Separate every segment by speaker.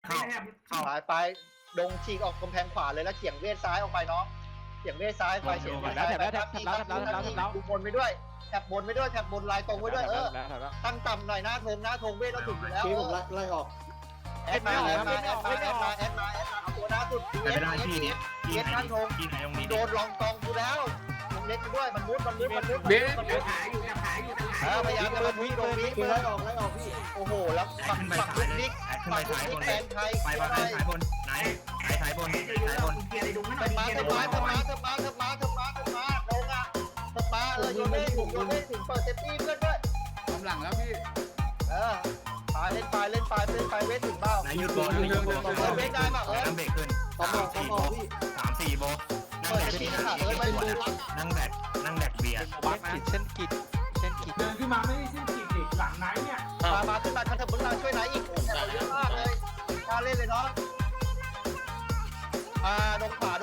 Speaker 1: ไปดงฉีกออกกำแพงขวาเลยแล้วเฉียงเวทซ้ายออกไปน้องเฉียงเวทซ้ายไปเฉียงดูบนไปด้วยแถบบนไปด้วยแถบบนลายตรงไว้ด้วยตั้งต่ำหน่อยหน้าธงเวทเราถึงอยู่แล้วผมไล่ออกแอดมาเอาตัวหน้าสุดเอสข้างธงโดนลองกองกูแล้วมึงเล็กด้วยมันมุด
Speaker 2: เบสขายอยู่
Speaker 1: พยายามจะมุดตรงนี้ไล่ออกพี่โอ้โหแล้วปักลูกนิกแฟนไทย
Speaker 3: ไปสายบนไหนสายบน
Speaker 1: เธอมาลงอ่ะเธอมาโยนได้ถึงเปิดเซฟตี้เพื่อนด้วย
Speaker 2: ทำหลังแล้วพี่
Speaker 1: เล่นไปเวทถึงเบ้า
Speaker 3: ไหนหยุดบอล
Speaker 1: เวทได้ป่ะ
Speaker 3: นั่งเบรกขึ้น3-4โบนั่งแบกที่นั่งแบกเบียร์
Speaker 4: เส้นกิด
Speaker 2: เดินขึ้นมาไม่ได้เส้นกิดหลังไหนเนี่ย
Speaker 1: มาขึ้นมาคันเถอะมึงมาช่วยไหนอีกแถวเยอะมากเลยมาเล่นเลยเนาะลงขวา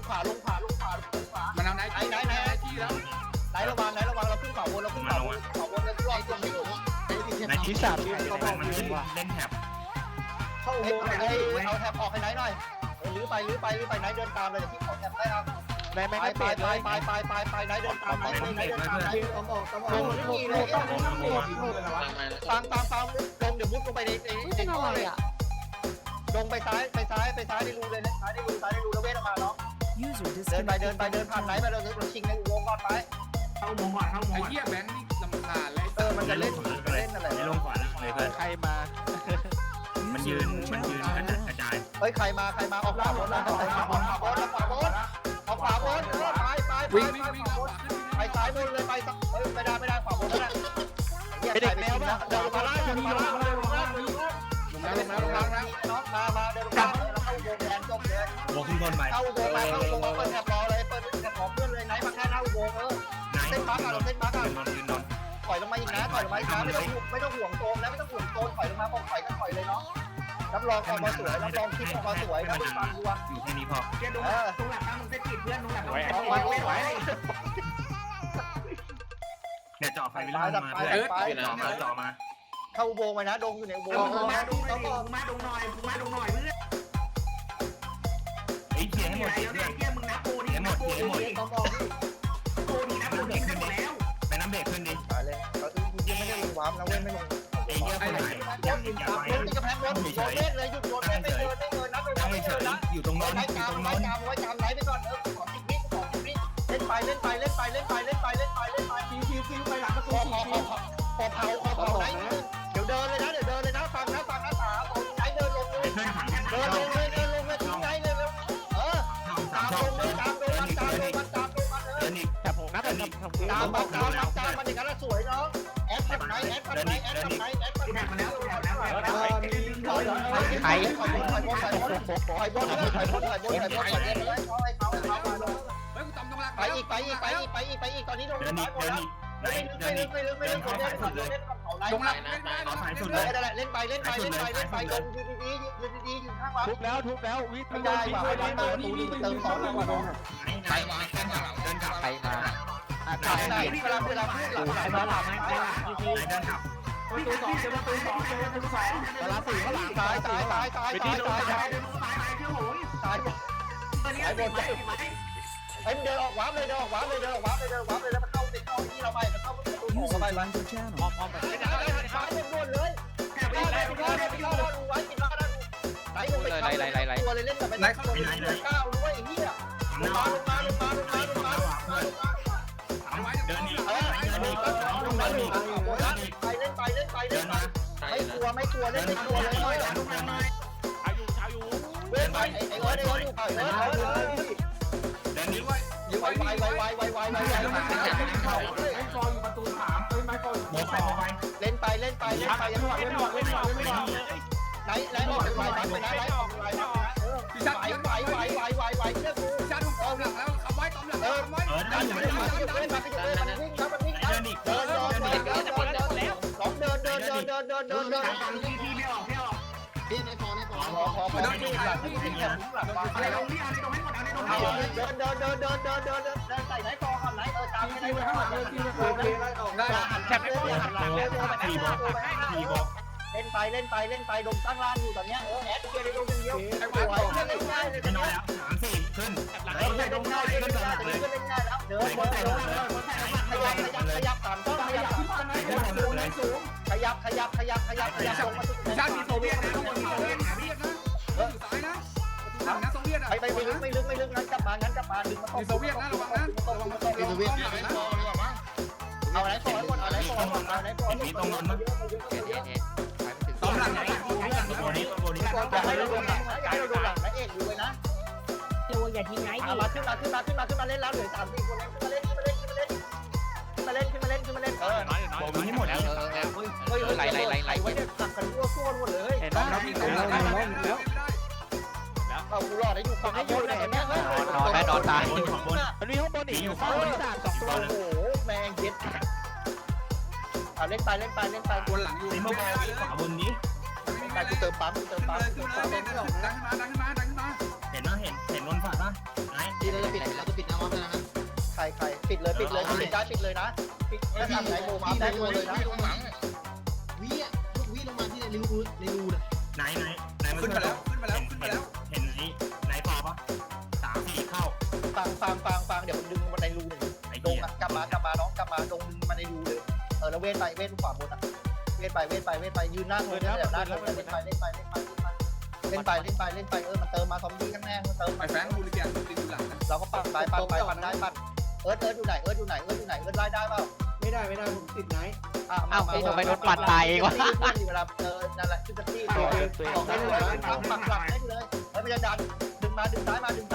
Speaker 2: มันเอาไหนที่แล้ว
Speaker 1: ไหนระวังเราขึ้นขวาบนแล้วรอตรงนี้อยู่
Speaker 3: ในที่3มันเล่นแถบ
Speaker 1: เข้าโบเอาแถบออกให้ไหนหน่อยหรือไปไหนเดินตามเลยที่ขอแถบได้ครับไปไหนเดินตามไหนตามลงเดี๋ยวมุดลงไปในท่อเลยลงไปซ้ายในรูเลยนะซ้ายในรูแล้วเวทออกมาเนาะเดินผ่านไหนไปเราชิงในวงก่อนไป
Speaker 2: เข้าวงก่อนไอ้เหี้ยแบงค์นี่ลำคาญเลย
Speaker 1: มันจะเล่นอะไร
Speaker 3: ไม่ลงขวาเลยเพื่อน
Speaker 4: ใครมา
Speaker 3: มันยืนกระจาย
Speaker 1: ใครมาออกขวาบนออกขวาบน
Speaker 2: วิ่ง
Speaker 1: ไปซ้ายบนเลยไปไม่ได้ขวาบนแล้ว
Speaker 4: ไปเด็กแมวป่ะ
Speaker 1: เดินมาล่าเดินมาน้องมาเดินมาเข้าวงแดนจบเลย
Speaker 3: โบขึ้นบนไป
Speaker 1: เข้าวงเปิดแถบรอเลยเปิดแถบของเพื่อนเลยไหนมาแค่เข้าวงเส้นบั๊กถอยลงมาอีกนะไม่ต้องห่วงโซนแล้วไม่ต้องห่วงโซนถอยลงมาบอกถอยเลยเนาะรับรองออกมาสวยรับรองคลิปออกมาสวยนะฟังดูว่า
Speaker 3: อยู่แค่นี้พอ
Speaker 2: เพื่อนตรงหลังมึงเซตกิดเพื่อนตรงหลัง
Speaker 3: เนี่ยจ่อไฟไปแล้วมาเพื่อนจ่อมา
Speaker 1: เข้าอุโบงค์ไปนะดงอยู่ในอุโบงค์
Speaker 2: มาดงหน่อยเพื่อน
Speaker 3: ไอ้เขียนให้หมดเพื่อน
Speaker 2: มึงนับโบนี่
Speaker 3: หมด
Speaker 2: โบนี่นับโบนี่หมดแล้ว
Speaker 3: ไปน้ำเบรกขึ้นดิ
Speaker 1: ไปเลยก็ยังไม่ได้ลงวาร์ปนะเว้นไม่ลง
Speaker 3: ไอ้เหี้ยไปไหน
Speaker 1: ยังติดกระแพงรถโยนเล่นเลยหยุดโยนเล่นไม่เดินนับ
Speaker 3: ไม่เฉยอยู่ตรงโน้น
Speaker 1: ไว้กามไหนไปก่อนขอ10 วิเล่นไปคิวไปหลังประตูพอเผาไหนเดี๋ยวเดินเลยนะฟังนะตาไหนเดินลงเลยทิ้งไหนเลยตามลงเลยตามลงมัน
Speaker 4: แต่ผมนับเป็น
Speaker 1: ตามมันอย่างนั้นสวยเนาะแอดทำไหน
Speaker 2: แท็กมาแล้ว
Speaker 1: ไข่ถอยบนไปอีกตอนนี้ลงไม่ลึก
Speaker 3: ลงหลัง
Speaker 1: เอาสายสุดเลยเล่นไปลงอยู่ดีอยู่ข้างวัด
Speaker 4: ทุบแล้ววิทย์ไม่
Speaker 1: ได้เติมของแล้ว
Speaker 3: ใครมาเดินกลับ
Speaker 1: เวลาพูดหลังเดินกลับ
Speaker 3: เดินกลับ
Speaker 4: เวลา4ข้างหลัง
Speaker 1: ตายบนไอ้เดินออกวาร์ปเลยแล้วมันเข้าติดเข้าที่เราไปมันเข้าประตูเข้าไปมันอ้อมไปได้ซ้ายบนเลยไปไว้กินมาไหลลงไปตัวเลยเล่นแบบไหนเข้าก้าวด้วยไอ้เหี้ยลงมา
Speaker 3: เดินอีก
Speaker 1: ไปเล่นไม่กลัวเล่นไม่กลัวเลย
Speaker 4: อายุ
Speaker 1: เว้นไปไอ้เอิร์ดอยู่
Speaker 3: เดินนี้ไว้
Speaker 1: ไว
Speaker 2: ไม่ฟออยู่ประตู3ไม่ฟอ
Speaker 1: เล่นไปยังไหลออกไปไหลออกไปนะไหวเชื่อกู
Speaker 2: ชันออกหลังแล้วเอาไว้ตอมหลังไว้
Speaker 1: ดันมันวิ่งเดิน
Speaker 2: ที่ไม่ออก
Speaker 1: พี่ในพอไปแล้วนี่หลัง
Speaker 2: อะไรลงนี่อะไรตรงให้หมดอะไรตรง
Speaker 1: เดินใส่ไหนกอก่อนไหนตาม
Speaker 2: ที่ไว้ข้างหลังที่ไว้ได้
Speaker 1: แคปไม่พอหันหลังเลย
Speaker 3: 4 บอก
Speaker 1: เล่นไปเล่นไปเล่นไปดงตั้งล่างอยู่ตอนเนี้ยแอดเกียร์ในดงอย่างเดียวสวยเล่นง่ายเลย
Speaker 3: ไม่น้อยแล้ว3-4ขึ้น
Speaker 1: เล่นง่ายเล่นง่ายเล่นง่ายแล้วเดินขยับตามต้องขยับลงมาสุด
Speaker 2: ชาติมีโซเวียตนะทุกคนมีโซเวียตหาเวียตนะอยู่ซ้ายนะนะโซเวียตอ่ะ
Speaker 1: ไม่ลึกงั้นกลับมาดึงมา
Speaker 2: มีโซเวียตนะระวังนะระวังโซเวียตนะ
Speaker 1: เอาไหนต่อให้หมดเอาไหนต่อให้หมดเอาไหนต่อให้หมด
Speaker 2: ตอนหลังไหน
Speaker 3: ตัวนี้
Speaker 1: อยากให้เราโดนหลังนะอยากให้เราโดนหลังนะเอกอยู่เลยนะ
Speaker 5: ระวังอย่าทิ้งไงดิ
Speaker 1: มาขึ้นมาเล่นแล้วเหลือ3-4คนขึ้นมาเล่น
Speaker 3: ผมให้หมดแล้ว
Speaker 1: เฮ้ยไหลไว้เนี่ยตักกันรั่วซ่วนหมดเลย
Speaker 4: เห็นไหม
Speaker 2: เราพี่ตรงหลังได้แล้ว
Speaker 1: เอากูรอดได้อยู่ฝั่งให้อยู่ไหนเนี่ย
Speaker 4: นอนตาย
Speaker 3: บนของบน
Speaker 4: มันมีข้างบนอีกอยู่ข้างบนที่3 2 ตัว
Speaker 1: โอ้โหแมงเย็ดเล่นไป
Speaker 2: วนหลังอยู่
Speaker 3: สีม่วงขวาบนนี้
Speaker 1: ไปกูเติมปั๊ม
Speaker 2: ขึ้นมาเล่นดังขึ้นมา
Speaker 3: เห็นนนฝาดป่ะไหน
Speaker 1: ใครปิดเลยปิดเลยนะปิดถ้าทำไหนโมมาได้ตัวเลยนะ
Speaker 3: ไหน
Speaker 2: ขึ้นมาแล้ว
Speaker 3: เห็นไหนต่อป่ะ3-4เข้า
Speaker 1: ฟังเดี๋ยวผมดึงมาในรูหนึ่ง
Speaker 3: ไอ้
Speaker 1: ล
Speaker 3: เหี้
Speaker 1: ง
Speaker 3: ย
Speaker 1: กลับมาน้องกลับมาลงมาในรูเลยแล้วเว้นขวาบนอ่ะเว้นไปยืนหน้าโถเลยหน้าโถเล่นไปมันเติมมาซอมบี้ข้างแน่มันเติม
Speaker 2: ไอ้แฟงบูริเกียนติดอยู่หลังนะ
Speaker 1: เราก็ปั่นได้ปั่นเอิร์ธอยู่ไหนไล่ได้เปล่า
Speaker 6: ไม่ได้ผมติดไหน
Speaker 1: เวลานั่นแหละชุดที่บอกได้เลยปักหลักได้เลยไม่จะดันดึงซ้ายมาดึง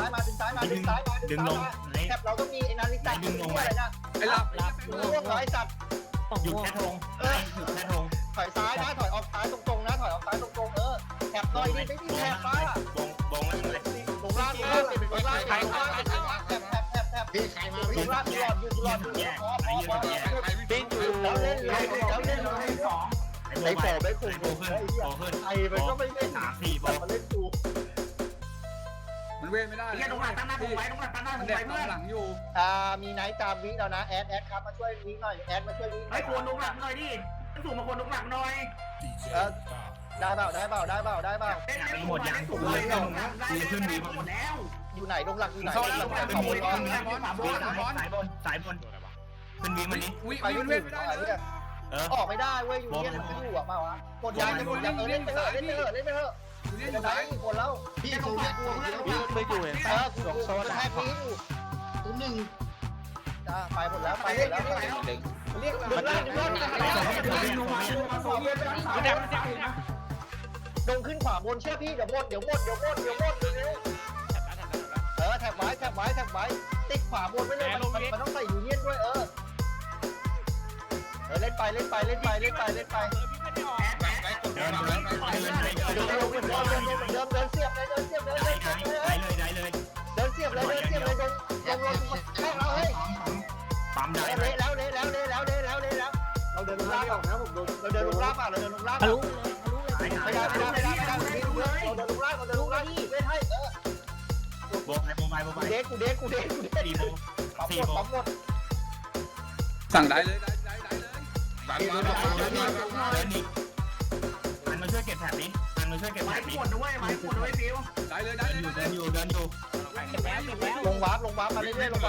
Speaker 1: แคปเราต้องมีไอ้นาฬิกาดึงลงไปนะ
Speaker 2: ไอ้หลับ
Speaker 1: ร่วงร้อยสัตว์
Speaker 3: หยุดแค่ธงหยุดแค่ธง
Speaker 1: ถอยซ้ายนะถอยออกซ้ายตรงๆนะถอยออกซ้ายตรงๆแคปต่อยดิไม่มีแคปป้า
Speaker 3: บงแล้วเลย
Speaker 1: ตรงล่างเป็นล่างแคปลงล่างหลอดอยู่ปิ้งอยู่แล้วเล่นไอ้โผล่ไม่คุ้ม
Speaker 3: โบขึ้น
Speaker 1: ไอ้มันก็ไม่เล่น
Speaker 3: 3-4โบ
Speaker 1: มาเล่นกู
Speaker 2: มันเว้ไม่ได้เลยมันเด็กหลังอยู่
Speaker 1: มีไนท์ตามวิแล้วนะแอดครับมาช่วยวิหน่อยแอดมาช่วยวิ
Speaker 7: ไอ้ควรลุกหลักหน่อยดิสูงมาควรลุกหลักหน่อย
Speaker 1: ได้เปล่า
Speaker 3: หมดยังผมเลยขึ้นดี
Speaker 7: หมดแล้ว
Speaker 1: อยู่ไหนลงหลักอยู่ไหน
Speaker 2: เข้าแล้ว
Speaker 1: ขอบคุณ
Speaker 3: สายบนขึ้นวีมันนี้
Speaker 1: ไปยุ่งไม่ได้เลยออกไม่ได้เว้ยอยู่เนี่ยมันอยู่อ่ะมาวะกดยางเล่นไปเถอะจะได้กี่คนแล้ว
Speaker 6: พี่โซเวียต
Speaker 4: ไม่อยู่เห็น
Speaker 1: กูแทกนี้อยู่
Speaker 6: ตัวหนึ่ง
Speaker 1: จ้าไปหมดแล้ว
Speaker 6: เรียก
Speaker 1: ดงขึ้นขวาบนเชื่อพี่เดี๋ยวหมดเร็วแท็บไว้ติดขวาบนไว้เลยมันต้องใส่ยูเนียนด้วยเล่นไป
Speaker 3: เดิน
Speaker 1: เสียบเลย
Speaker 3: ได้เลย
Speaker 1: ลงแข่งเราเฮ้ย
Speaker 3: ปั๊มได้
Speaker 1: เละแล้วเราเดินลงล่างนะผมเราเดินลงล่างเปล่าเราเดินลงล่างไม่ได้เราเดินลงล่างเล่นให้
Speaker 3: โบกโมบาย
Speaker 1: กูเด็กปั๊มหมด
Speaker 2: สั่งได้เลย
Speaker 3: เดินอีกมันมาช่วยเก็บแถบนี้มันมาช่วยเก็บแถ
Speaker 7: ไม้
Speaker 3: บนี้
Speaker 7: ปวดด้วยไม้ปวดด้วยฟิว
Speaker 2: ได้เลย
Speaker 3: เดินอยู่
Speaker 1: ลงวาร์ปมาเรื่อยๆ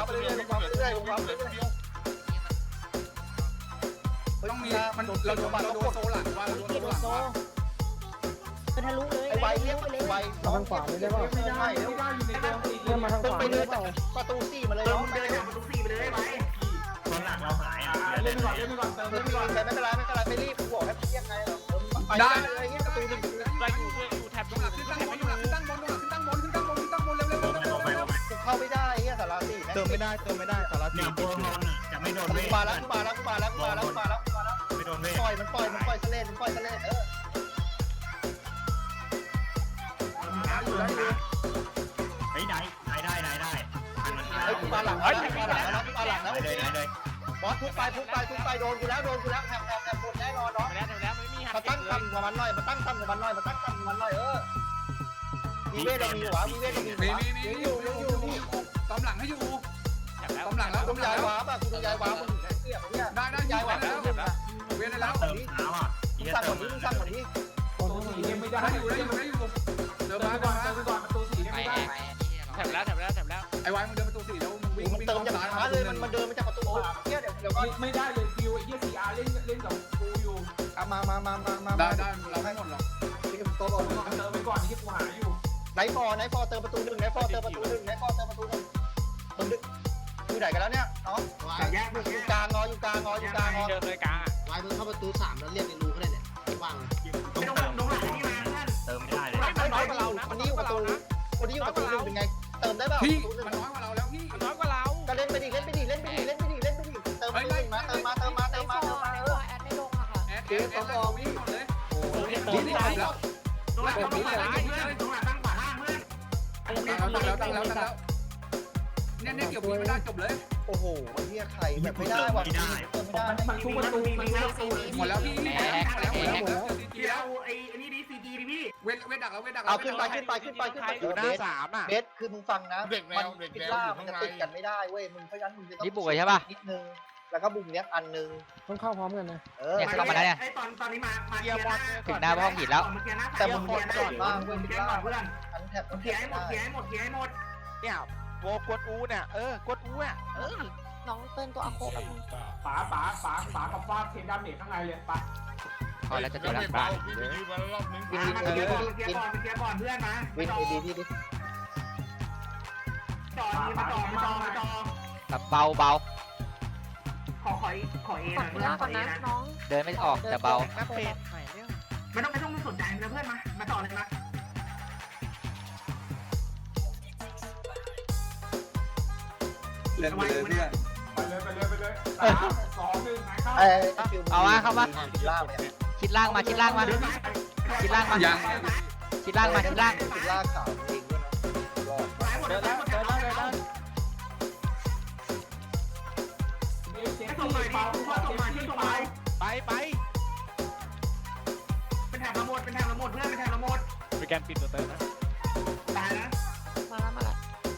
Speaker 2: ต้องมีมันเราโดนโซหลังว่าเราโดนโซหลัง
Speaker 5: เป็นทะลุเลย
Speaker 1: ไอ้ใบเลี้ยงไวทางขวาไม่ได้ป่ะไม่ได้แล้วต้องไปเลยประตู4มาเลย
Speaker 7: เติ
Speaker 1: น้
Speaker 7: ม
Speaker 1: อง
Speaker 7: ไปเลยทุกสี่ไปเลยไหม
Speaker 3: คนหลังเราหายอ่ะ
Speaker 1: ไม่รีบกูบอกให้เรียกไงหรอไปได้เลยเงี้ยประตู1
Speaker 4: ไปอยู่แถบ
Speaker 2: หลังขึ้นตั้งบนเร็ว
Speaker 1: กูเข้าไม่ได้เงี้ยสารา4
Speaker 4: เติมไม่ได้สาร
Speaker 3: เนี่ยโบนจะไม่โดนเว้ย
Speaker 1: มาแล้ว
Speaker 3: ไม่โดนเว้ย
Speaker 1: ปล่อยมันปล่อยเสลด
Speaker 3: เฮ้ยได้
Speaker 1: ไอ้กูมาหลังแล้ว
Speaker 3: เลย
Speaker 1: บอสทุบไปโดนกูแล้วแถบหมดแน่นอนเนาะ
Speaker 4: แล้วไม่มีหั
Speaker 1: มาตั้งคำกับมันหน่อยวีเวทเรามีหวาวีเวทเรามี
Speaker 2: มีตอมหลังให้อยู่ตอมหลังแล้ว
Speaker 1: ต้องย้ายวาป่ะกูต้องย้ายวามึงเสียบเนี่ย
Speaker 2: ได้ย้ายแล้วเวียนได้แล้ว
Speaker 3: เติมเท้าอ่ะ
Speaker 1: สั่งหมดนี้
Speaker 2: ได้อยู่เดินมาก่อนประตู4ได้ไม่ได้
Speaker 4: แถบแล้ว
Speaker 2: ไอ้วายมึงเดินประตู4แล้วมึงวิ่ง
Speaker 1: มันเติมจากช้าเลยมันเดินมาจากประตูเนี่ยเดี๋ยวก็
Speaker 2: ไม่ได้เลยฟิวไอ้เหี้ย4Rเล่นกับกูอยู่
Speaker 1: มา
Speaker 2: ได้เราไม่หมดหรอก
Speaker 1: ที่ผมโตบอก
Speaker 2: เติมไปก่อนที่กูหาอยู่
Speaker 1: ไนฟอร์เติมประตู1ไนฟอร์เติมประตู1มึงอยู่ไหนกันแล้วเนี่ยน้อง
Speaker 7: แยก
Speaker 1: อยู่กลางงอ
Speaker 4: เดินเลยกลางอ่ะ
Speaker 6: วายมึงเข้าประตู3แล้วเรียกในรูก็ได้เนี่ยว่าง
Speaker 7: ไม่ต้องลงหลังนี่มาเพื่อน
Speaker 3: เติมไม่ได้เลย
Speaker 1: คนนี้อยู่ประตู1ไงเติมได้เปล่า
Speaker 2: พี่มันน้อยกว่าเราแล้วพี่
Speaker 4: น้อยกว่าเรา
Speaker 1: ก็เล่นไปดิเติมมา
Speaker 7: แ
Speaker 2: แอดวิ่งหมดเลย
Speaker 7: ตรงหลังตั้งขวาล่างเพื่อน
Speaker 2: ตั้งแล้วเนี่ยเกี่ยวพี่ไม่ได้จบเลย
Speaker 1: โอ้โหเฮียไข่แบบไม่ได้ว่ะไม่ได้
Speaker 7: มันทุกประตูมีแล้วตู
Speaker 2: หมดแล้วพี่แล้ว
Speaker 7: เดี๋ยวไอ้นี่ดีซีจีดิพี่
Speaker 2: เว้ดักแล้ว
Speaker 1: เอาขึ้นไป
Speaker 4: อยู่หน้า3อ่ะ
Speaker 1: เบสคือมึงฟังนะมันพิล่ามันจะติดกันไม่ได้เว้ยมึงเพราะฉะนั้นมึงจะต้อง
Speaker 8: นี่บุกเลยใช่ป่ะ
Speaker 1: นิดนึงแล้วก็บุกเนี้ยอันนึง
Speaker 6: ต้องเข้าพร้อมกันนะ
Speaker 8: เนี่ยเข้ามาแล้วเนี่ย
Speaker 7: ไอ้ตอนนี้มา
Speaker 8: ถึงหน้าห้องหินแล้ว
Speaker 1: แต่มึงเกียร์ก่อนบ้างเว้ย
Speaker 7: เกี
Speaker 1: พิ
Speaker 7: ยร์
Speaker 1: ล่า
Speaker 7: ก่อนเพื่อน
Speaker 1: อันแทบ
Speaker 7: เกียร์ให้หมด
Speaker 4: เนี่ยโวกดอูเนี่ยกดอูอ่ะ
Speaker 5: น้องเติ้ลตัวอะโคแบบ
Speaker 2: ป๋ากับฟาดเทนดาเมจข้างในเลยปะ
Speaker 8: พอแล้วจะเจอแล้วบ้าน
Speaker 1: วิน
Speaker 7: เกียร์ก่อนเพื่อนนะ
Speaker 1: วินเอดีที่ดิ
Speaker 7: จอมาจอ
Speaker 8: แบบเบา
Speaker 7: ขอเอ
Speaker 5: ฝากคุณล่าก่อนนะน้อง
Speaker 8: เดินไม่ออกแต่เบา
Speaker 4: นักเป็นใหม่เนี่ย
Speaker 7: ไม่ต้องสนใจนะเพื่อนมาต่อเลยมา
Speaker 2: เล่นไปเลยเพื่อนไปเลย3 2 1ไหนเข้า
Speaker 8: เอามาเข้ามา
Speaker 1: พิล่าเนี่ย
Speaker 8: ชิดล่างมาชิดล่างมาชิดล่างมา
Speaker 2: ยัง
Speaker 8: ชิดล่างมาชิดล่าง
Speaker 1: พิล่าขาวเองด้วยนะยอด
Speaker 7: เดินส่งหน่อยดิส่งมาที่ส่งมา
Speaker 4: ไป
Speaker 7: เป็นแถบระหมดเพื่อนเป็นแถบระหมด
Speaker 4: ไปแกนปิดตัวเติมนะ
Speaker 7: ตายนะ
Speaker 5: มาแล้ว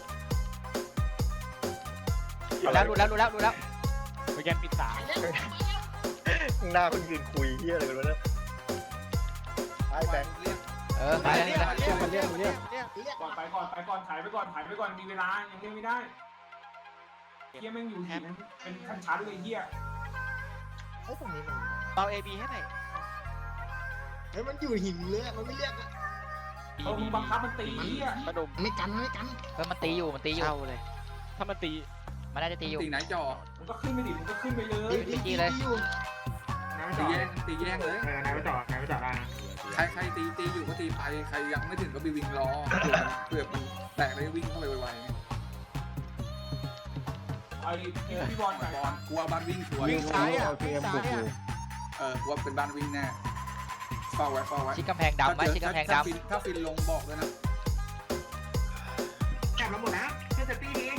Speaker 8: รู้แล้ว
Speaker 4: ไปแกนปิด3
Speaker 1: หน้าคนยืนคุยเฮียอะไรกันวะเนี่ยไอ้แบงค์
Speaker 8: ไปแล้ว
Speaker 4: เรียก
Speaker 2: ก่อนถ่ายไปก่อนมีเวลายังเล่นไม่ได้เฮียแม่งอยู่หินเป็นชั้นเลยเฮีย
Speaker 1: ไอ้ตรงนี้มัน
Speaker 4: เอา AB ให้หน่อย
Speaker 6: เฮ้ยมันอยู่หินเลยมันไม่เรียก
Speaker 2: เขาบังคับมันตีเฮีย
Speaker 4: กระดุม
Speaker 6: ไม่กัน
Speaker 8: มันตีอยู่
Speaker 4: เข้าเลย ถ้ามันตี
Speaker 8: มันน่าจะตีอยู่
Speaker 2: ตีไหนจ่อมึงก็ขึ้นไปดิมึงก็ขึ้นไปเลย
Speaker 8: ตีเลย
Speaker 2: ตีแย่งเลย
Speaker 7: นายไปต่อได้
Speaker 2: ใครตีอยู่ก็ตีไปใครยังไม่ถึงก็ไปวิ่งรอเผื่อมันแตกแล้ววิ่งเข้าไปไวๆไอ้พี่บอลกลัวบ้านวิ่งสวย
Speaker 4: วิ่งซ้ายอ่ะ
Speaker 2: กลัวเป็นบ้านวิ่งแน่เฝ้าไว้
Speaker 8: ชิดกำแพงดำไหมชิดกำแพงดำ
Speaker 2: ถ้าฟินลงบอกเลยนะ
Speaker 7: แถบระหมดนะเพื่อนจะตีนี้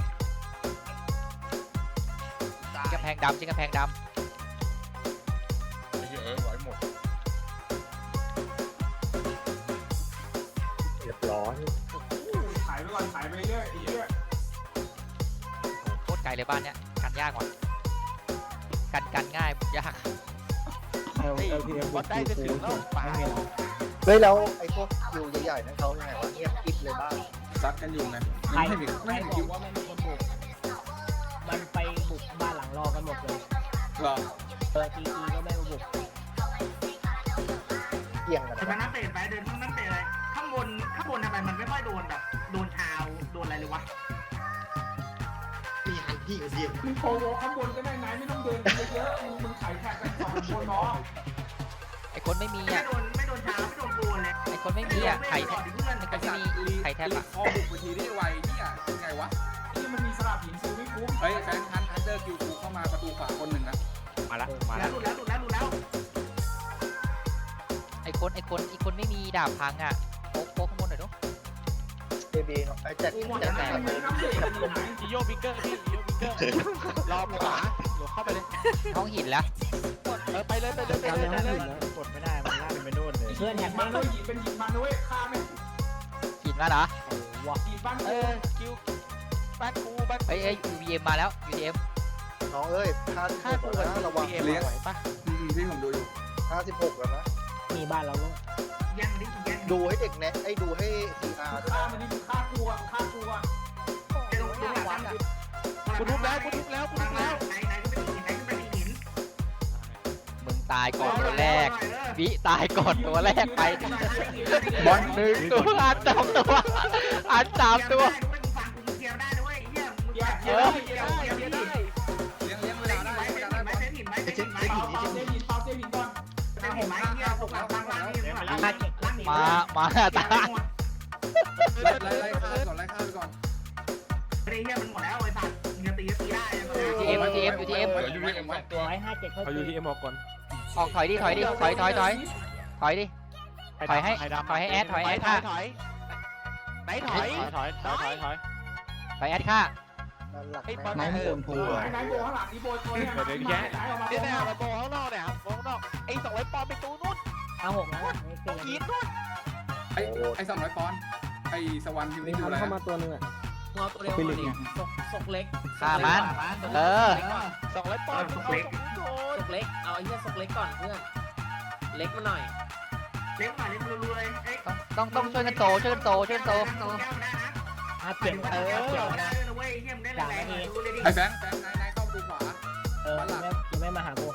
Speaker 8: ชิดกำแพงดำ
Speaker 1: เรียบร้อย
Speaker 2: ถ่ายไปก่อนถ่ายไปเรื่อยเรื่อย
Speaker 8: โคตรไกลเลยบ้านเนี้ยกันยากกว่ากันง่ายยาก
Speaker 4: วัดได้จะถึงแล้วป่า
Speaker 1: เฮ้ยแล้วไอ้พวกคิวใหญ่ๆนั่นเขาไงวะเงียบกิ๊บเลยบ้าง
Speaker 2: ซัดกันอยู่ไงไม่ให้คิว
Speaker 6: ว่ามันมีคนบุกมันไปบุกบ้านหลังรอกันหมดเลย
Speaker 2: หรอ
Speaker 6: ทีก็ไม่มาบุก
Speaker 1: เกี่ยงกัน
Speaker 7: แต่มันนั่งเตะไปเดินนั่งเตะอะไรข้างบนทำไมมันไม่ค่อยโดนแบบโดนเท้าโดนอะไรเลยวะ
Speaker 6: มีหันพี่กับเดียม
Speaker 2: มึงโผล่ข้างบนก็ได้ไหนไม่ต้องเดินเยอะมึงถ่ายแท็กกัน2 คนเนาะ
Speaker 8: ไอ้คนไม่มี
Speaker 7: ไม่
Speaker 8: อ่ะ
Speaker 7: โดนเท้าไม่โดนโกนเลย
Speaker 8: ไอ้คนไม่มีอ่ะไข่
Speaker 7: เพื่อน
Speaker 8: มันก็ไม่มีไข่แทบอ่ะ
Speaker 2: คอบุกไปทีได้ไวเนี่ยไงวะนี่มันมีสลับหินซื้อไม่คุ้มเฮ้ยแฟนทันเดอร์คิวกูเข้ามาประตูขวาคนหนึ่งนะ
Speaker 4: มาแล้ว
Speaker 7: หลุดแล้ว
Speaker 8: ไอ้คนไม่มีดาบพังอ่ะโป๊กข้างบนหน่อยดู
Speaker 1: เบบีเนาะไอ้แจ็ค
Speaker 4: จิโยบิงเกอร์พี่จิโยบิงเกอร์รอขวาเดี๋ยวเข้าไปเลย
Speaker 8: ห้องหินแล้ว
Speaker 4: ไปเลย
Speaker 6: กดไม่ได้มันล่าเป็นไปโน่นเลยเพื่อนแฮก
Speaker 2: มันเลยหินเป็นหินมันด้วยฆ่าไม่
Speaker 8: หินมาเหรอ
Speaker 2: หินบ้าน
Speaker 4: คิวบ้านกู
Speaker 8: UVM มาแล้ว UVM
Speaker 1: น้องเอ้ย56แล้วนะระวัง
Speaker 4: ไหวปะ
Speaker 2: ที่ผมดูอยู่
Speaker 1: 56แล้วนะ
Speaker 6: มีบ้านเราลูก
Speaker 7: ยังดิ
Speaker 1: ดูให้เด็กแนะไอ้ดูให้ CR ด้วย
Speaker 2: ฆ่ามันดิฆ่ากูอ่ะฆ่ากูอ่ะ
Speaker 7: ไอ้ตรงหลังนั้น
Speaker 4: กูทุบแล้วกูทุบแล้ว
Speaker 7: ไหนก็เป็นหินไหนก็เป็นหิน
Speaker 8: มึงตายก่อนตัวแรกวิตายก่อนตัวแรกไป
Speaker 3: บอล
Speaker 8: หนึ่งตัวอันสองตัวอันสามตัว
Speaker 7: ฟังกูเคลียร์ได้ด้วยเฮียมึง
Speaker 2: เกียร์
Speaker 7: เค
Speaker 2: เกี
Speaker 7: ลี
Speaker 2: ย
Speaker 7: ย
Speaker 2: ร์
Speaker 7: ร์
Speaker 2: ได้
Speaker 7: ได้
Speaker 2: เกียร์
Speaker 7: เกียร์
Speaker 2: ได้
Speaker 7: ได้
Speaker 2: เกียร์ได้
Speaker 3: เลี้ยงเวลาได้เวลาได้
Speaker 7: เส้นหินไหมเส้นหินไหม
Speaker 2: เปล่าเซหินเปล่าเซหินก่อน
Speaker 7: เส้นหินไหมเฮียพวกหลังล่างนี่ล่างนี่
Speaker 8: มาตาย
Speaker 3: ไล่ฆ่าก่อนไล่ฆ่าไปก่อน
Speaker 7: ไอ้เฮียมันหมดแล้วไอ้สัตว์มึงจะตีก็ตีได้
Speaker 8: UTM UTM UTM
Speaker 3: เดี๋ยวยูเอ็มไว้ตัว
Speaker 6: 157เขา
Speaker 4: เอา UTM ออกก่อน
Speaker 8: ออกถอยดิถอยดิถอยดิถอยให้แอดค่ะ
Speaker 4: ไหนถอย
Speaker 8: ถอยแอดค่ะ
Speaker 1: นั่นหลัก
Speaker 4: ไอ้
Speaker 1: แม่
Speaker 4: บอล
Speaker 3: น้องโดนพูอ่ะ
Speaker 2: ไหนโบข้างหลังนี่โบตัวนี้
Speaker 4: เดี๋ยวแย่เนี่ยมาโบข้างนอกเนี่ยโบข้างนอกไอ้200 ปอนด์ไปตู้นู้น
Speaker 6: เอา6แล้วไม่เกิน
Speaker 4: ยีนนู้น
Speaker 3: ไอ้200 ปอนด์ไอ้สวรรค์ทีมนี้ดูอะไร
Speaker 6: เข้ามาตัวนึงอ่ะ
Speaker 7: งอตัวเดียวศกเล็ก
Speaker 8: ฆ่ามันเออ
Speaker 4: 200 ปอนด์เอา
Speaker 7: ศกเล็กเอาไอ้เหี้ยศกเล็กก่อนเพื่อนเล็กมาหน่อยเล็กหน่อยเล็กรัวๆเลย
Speaker 8: ต้องช่วยกันโตช่วยกันโต
Speaker 6: 57
Speaker 7: ได้นะเว้ยเหี้ยมได้แรงดูเลยดิ
Speaker 3: ไอ้แบงค์นายเข้าดูขวา
Speaker 6: ยังไม่มาหากู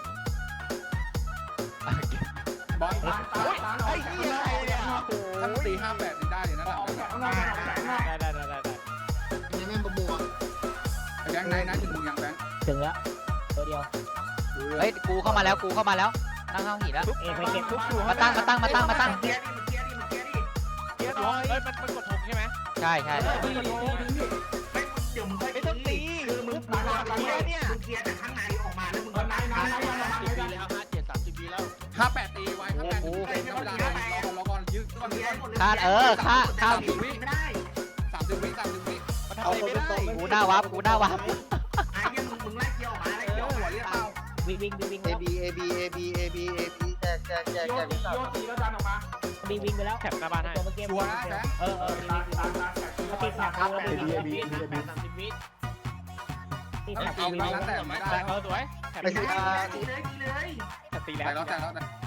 Speaker 3: บอล
Speaker 4: ไอ้เหี้ยอะไรเนี่ย
Speaker 3: ถ้าตี58นี่ได้เลยนะหลัง
Speaker 2: เอาแขนข้างนอกเอาแขนข้างนอก
Speaker 4: ได้
Speaker 1: ยังไม่มาบวก
Speaker 3: ไอ้แบงค์นายถึงมึงยังแบงค์
Speaker 6: ถึงแล้วตัวเดียว
Speaker 8: เฮ้ยกูเข้ามาแล้วตั้งเข้าหินแล้ว
Speaker 6: ไปเก็บทุก
Speaker 8: มาตั้ง
Speaker 7: เกียร์ดิ
Speaker 4: เกียร์น้อยเฮ้ยมันกดถงใช่ไหม
Speaker 8: ใช่
Speaker 7: เดี๋ยวมึงค่อย
Speaker 4: ไม่ต้องตี
Speaker 7: คือมึงเกียร์เนี่ยมึงเกียร์จากข้างในออกมาแล้วมึง
Speaker 2: ไหน
Speaker 3: 58ตีไว้58ตีเวลารอก่อนยืดก่อน
Speaker 7: เกียร์หมดเลย
Speaker 8: ฆ่า
Speaker 7: ไม่ได้
Speaker 3: 30 วิ
Speaker 4: มันทำอะไรไม่ได้
Speaker 8: กูหน้าวับ
Speaker 7: ไอ้เหี้ยมึงไล่เกียร์ออกมาไล่เกียร์ออก
Speaker 3: หัว
Speaker 7: มา
Speaker 3: เรียกเป้า
Speaker 6: วิ่ง
Speaker 1: แจก
Speaker 2: โยตีโยตีแล้วดันออกมา
Speaker 6: วิ่งไปแล้ว
Speaker 4: แถบหน้าบ้านให้
Speaker 6: ตัวเมื่อกี้
Speaker 3: ชัวร์นะแบงค์
Speaker 2: ตาแขน
Speaker 6: ติดแท็บกูแล้วติดแท็บ
Speaker 4: 30 วิ
Speaker 6: ติดแท็บ
Speaker 3: เอา
Speaker 6: กู
Speaker 3: แล้วแต่ไม่ได้
Speaker 4: สวย
Speaker 1: ไอ้ CR
Speaker 7: ตีเลย
Speaker 4: ตี
Speaker 3: แต่
Speaker 4: แล้ว
Speaker 3: แล้ว